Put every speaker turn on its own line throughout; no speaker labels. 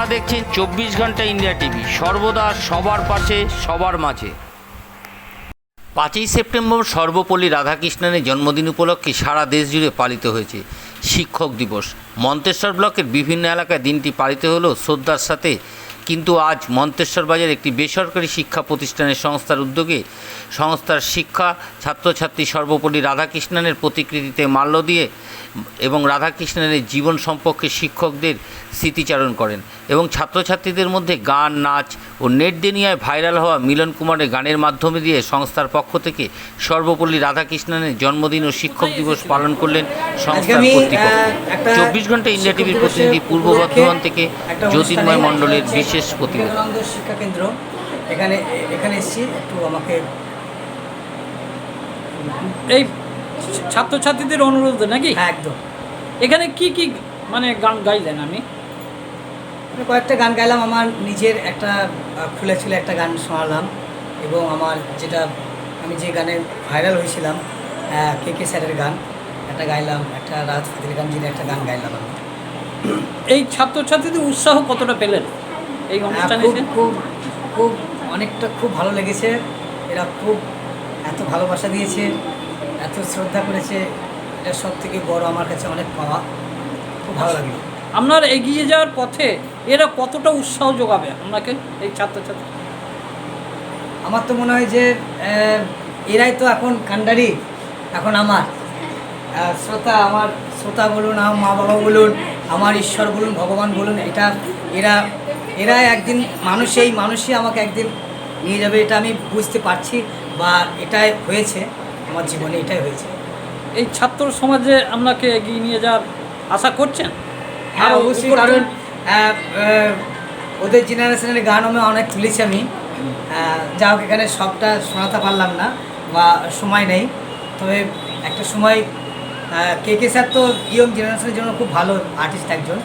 দেখছেন 24 ঘন্টা India TV, সর্বদা সবার পাশে সবার মাঝে। 5ই সেপ্টেম্বর সর্বপল্লী রাধাকৃষ্ণনের জন্মদিন উপলক্ষে সারা দেশ জুড়ে পালিত হয়েছে শিক্ষক দিবস। মন্তেশ্বর ব্লকের বিভিন্ন এলাকায় দিনটি পালিত হলেও শ্রদ্ধার সাথে, কিন্তু আজ মন্তেশ্বর বাজার একটি বেসরকারি শিক্ষা প্রতিষ্ঠানের সংস্থার উদ্যোগে সংস্থার শিক্ষা ছাত্রছাত্রী সর্বপল্লী রাধাকৃষ্ণনের প্রতিকৃতিতে মাল্য দিয়ে এবং রাধাকৃষ্ণনের জীবন সম্পর্কে শিক্ষকদের স্মৃতিচারণ করেন এবং ছাত্রছাত্রীদের মধ্যে গান, নাচ ও নেট দুনিয়ায় ভাইরাল হওয়া মিলন কুমারের গানের মাধ্যমে দিয়ে সংস্থার পক্ষ থেকে সর্বপল্লী রাধাকৃষ্ণনের জন্মদিন ও শিক্ষক দিবস পালন করলেন সংস্থার কর্তৃপক্ষ। 24 ঘন্টা ইন্ডিয়া টিভির প্রতিনিধি পূর্ব বর্ধমান থেকে জ্যোতির্ময় মণ্ডলের বিশেষ প্রতিবেদন।
শিক্ষা কেন্দ্র এখানে এসেছি, একটু আমাকে
এই ছাত্রছাত্রীদের অনুরোধ নাকি?
হ্যাঁ, একদম।
এখানে কি কি মানে গান গাইলেন? আমি
কয়েকটা গান গাইলাম, আমার নিজের একটা খুলে ছিল একটা গান শোনালাম এবং আমার যেটা আমি যে গানে ভাইরাল হয়েছিলাম কে স্যারের গান একটা গাইলাম, একটা রাজ ফাতের গান যিনি একটা গান গাইলাম আমি।
এই ছাত্রছাত্রীদের উৎসাহ কতটা পেলেন এই অনুষ্ঠানে?
খুব অনেকটা খুব ভালো লেগেছে। এরা খুব এত ভালোবাসা দিয়েছে, এত শ্রদ্ধা করেছে, এটা সব থেকে বড় আমার কাছে অনেক পাওয়া। খুব ভালো লাগলো।
আপনার এগিয়ে যাওয়ার পথে এরা কতটা উৎসাহ যোগাবে আপনাকে এই ছাত্রছাত্রী?
আমার তো মনে হয় যে এরাই তো এখন কান্ডারি, এখন আমার শ্রোতা, আমার শ্রোতা বলুন, আমার মা বাবা বলুন, আমার ঈশ্বর বলুন, ভগবান বলুন, এটা এরাই একদিন মানুষই আমাকে একদিন নিয়ে যাবে, এটা আমি বুঝতে পারছি বা এটাই হয়েছে আমার জীবনে, এটাই হয়েছে।
এই ছাত্র সমাজে আপনাকে এগিয়ে নিয়ে যাওয়ার আশা করছেন?
হ্যাঁ, অবশ্যই, কারণ ওদের জেনারেশনের গান আমি অনেক তুলেছি আমি, যা হোক এখানে সবটা শোনাতে পারলাম না বা সময় নেই, তবে একটা সময় কে স্যার তো ইয়ং জেনারেশনের জন্য খুব ভালো আর্টিস্ট একজন।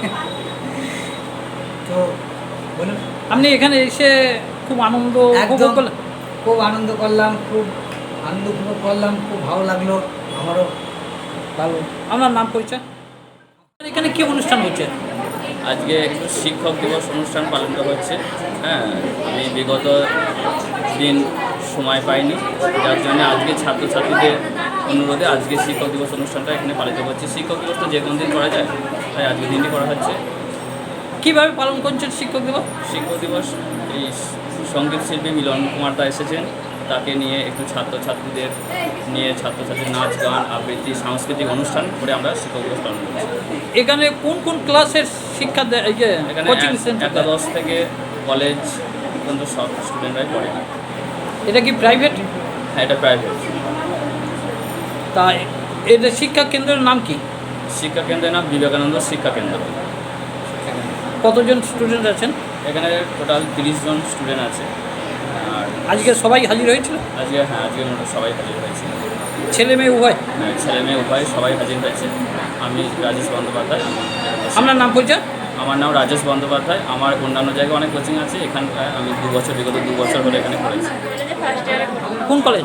তো বলুন,
আপনি এখানে এসে খুব আনন্দ উপভোগ করলেন?
খুব আনন্দ করলাম, খুব ভালো লাগলো আমারও।
ভালো। আপনার নাম পরিচয়? এখানে কি অনুষ্ঠান হচ্ছে?
আজকে একটু শিক্ষক দিবস অনুষ্ঠান পালন করা হচ্ছে। হ্যাঁ, আমি বিগত দিন সময় পাইনি, যার জন্য আজকে ছাত্রছাত্রীদের অনুরোধে আজকে শিক্ষক দিবস অনুষ্ঠানটা এখানে পালিত হচ্ছে। শিক্ষক দিবস তো যে কোনো দিন করা যায়, তাই আজকে দিনটি করা হচ্ছে।
কীভাবে পালন করছেন শিক্ষক দিবস?
শিক্ষক দিবস এই সঙ্গীত শিল্পী মিলন কুমার দা এসেছেন, তাকে নিয়ে একটু ছাত্রছাত্রীদের নিয়ে ছাত্রছাত্রীর নাচ, গান, আবৃত্তি, সাংস্কৃতিক অনুষ্ঠান করে আমরা শিক্ষক দিবস পালন করছি।
এখানে কোন কোন ক্লাসের শিক্ষা দেয়?
এখানে
কোচিং সেন্টার
একাদশ থেকে কলেজ পর্যন্ত সব স্টুডেন্টরাই পড়ে।
এটা কি প্রাইভেট?
হ্যাঁ, এটা প্রাইভেট।
তা এদের শিক্ষা কেন্দ্রের নাম কি?
শিক্ষা কেন্দ্রের নাম বিবেকানন্দ শিক্ষা কেন্দ্র।
কতজন স্টুডেন্ট আছেন
এখানে? টোটাল 30 জন স্টুডেন্ট আছে। আর
আজকে সবাই হাজির হয়েছিল?
আজকে মোটামুটি সবাই হাজির হয়েছে।
ছেলে মেয়ে উভয়?
হ্যাঁ, ছেলে মেয়ে উভয় সবাই হাজির হয়েছে। আমি রাজেশ বন্দ্যোপাধ্যায়।
আপনার নাম পরিচয়?
আমার নাম রাজেশ বন্দ্যোপাধ্যায়। আমার অন্যান্য জায়গায় অনেক কোচিং আছে, এখানটায় আমি বিগত 2 বছর হলে এখানে পড়েছি।
কোন কলেজ?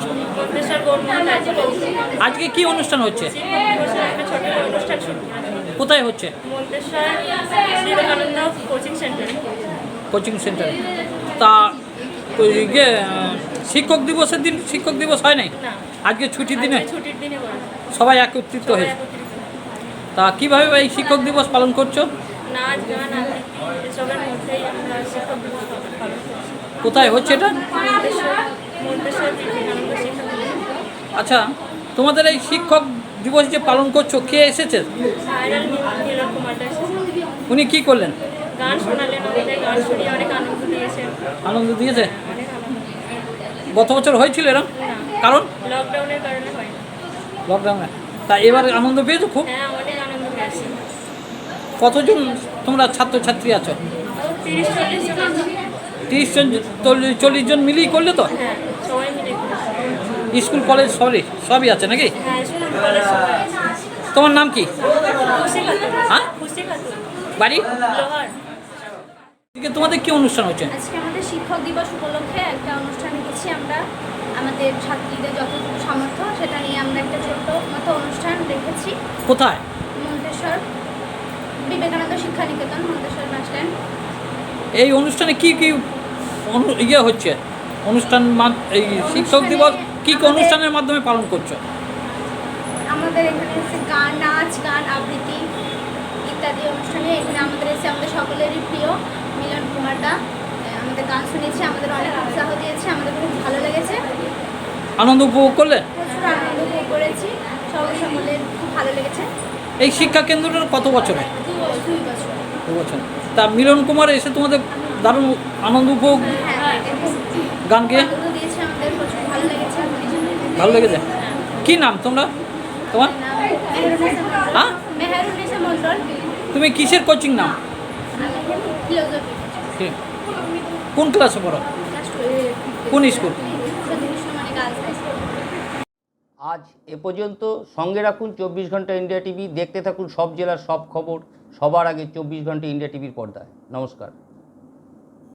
আজকে কি অনুষ্ঠান হচ্ছে? কোথায় হচ্ছে? কোচিং সেন্টারে। তা শিক্ষক দিবসের দিন শিক্ষক দিবস হয় নাই? আজকে ছুটির দিনে সবাই একত্রিত হয়েছে। তা কীভাবে এই শিক্ষক দিবস পালন করছো? কোথায় হচ্ছে এটা? আচ্ছা, তোমাদের এই শিক্ষক দিবস যে পালন করছো, কে এসেছে? উনি কি করলেন?
গান শোনালেন, গান শুনিয়ে অনেক আনন্দ দিয়েছেন।
আনন্দ দিয়েছে? গত বছর হয়েছিল এরকম? কারণ
লকডাউনের কারণে হয় না।
লকডাউনে। তা এবার আনন্দ পেয়েছো খুব?
হ্যাঁ, অনেক আনন্দ পেয়েছি।
কতজন তোমরা ছাত্রছাত্রী আছো?
30-40 জন আছে।
30 জন 40 জন মিলিয়ে করলে তো?
হ্যাঁ, সবাই মিলে করেছি।
স্কুল কলেজ সবই আছে নাকি?
হ্যাঁ, স্কুল কলেজ সবাই আছে।
তোমার নাম কি?
খুশি খাতুন।
হ্যাঁ,
খুশি খাতুন।
বাড়ি?
লোহার।
তোমাদের কি অনুষ্ঠান হচ্ছে?
আজকে আমাদের শিক্ষক দিবস উপলক্ষে একটা অনুষ্ঠান রেখেছি আমরা। আমাদের ছাত্রীদের যতটুকু সামর্থ্য সেটা নিয়ে আমরা একটা ছোট্ট মতো অনুষ্ঠান রেখেছি।
কোথায়?
মন্তেশ্বর বিবেকানন্দ শিক্ষা নিকেতন মন্তেশ্বর বাস স্ট্যান্ড।
এই অনুষ্ঠানে কি কি ইয়ে হচ্ছে অনুষ্ঠান এই শিক্ষক দিবস কি কি অনুষ্ঠানের মাধ্যমে পালন করছো?
আমাদের এখানে হচ্ছে গান, নাচ গান, আবৃত্তি ইত্যাদি অনুষ্ঠানে এখানে আমাদের এসে আমাদের সকলেরই প্রিয় মিলন কুমারদা আমাদের গান শুনেছে, আমাদের অনেক উৎসাহ দিয়েছে, আমাদের খুব ভালো লেগেছে,
আনন্দ উপভোগ করলে?
প্রচুর আনন্দ উপভোগ করেছি, সকলের খুব ভালো লেগেছে।
এই শিক্ষা কেন্দ্রটা কত বছরে?
2 বছর।
2 বছর। তা মিলন কুমার এসে তোমাদের দারুণ আনন্দ উপভোগ
হ্যাঁ,
গান গেয়ে
আনন্দ দিয়েছে, আমাদের প্রচুর ভালো লেগেছে।
ভালো লেগেছে? কি নাম তোমার? হ্যাঁ,
মেহেরুন্নেসা মণ্ডল।
তুমি কিসের কোচিং নাও?
ফিলোসফি।
ঠিক। কোন ক্লাসে পড়ো? কোন স্কুল?
আজ এ পর্যন্ত। সঙ্গে রাখুন 24 ঘন্টা ইন্ডিয়া টিভি। দেখতে থাকুন সব জেলার সব খবর সবার আগে 24 ঘন্টা ইন্ডিয়া টিভির পর্দায়। নমস্কার।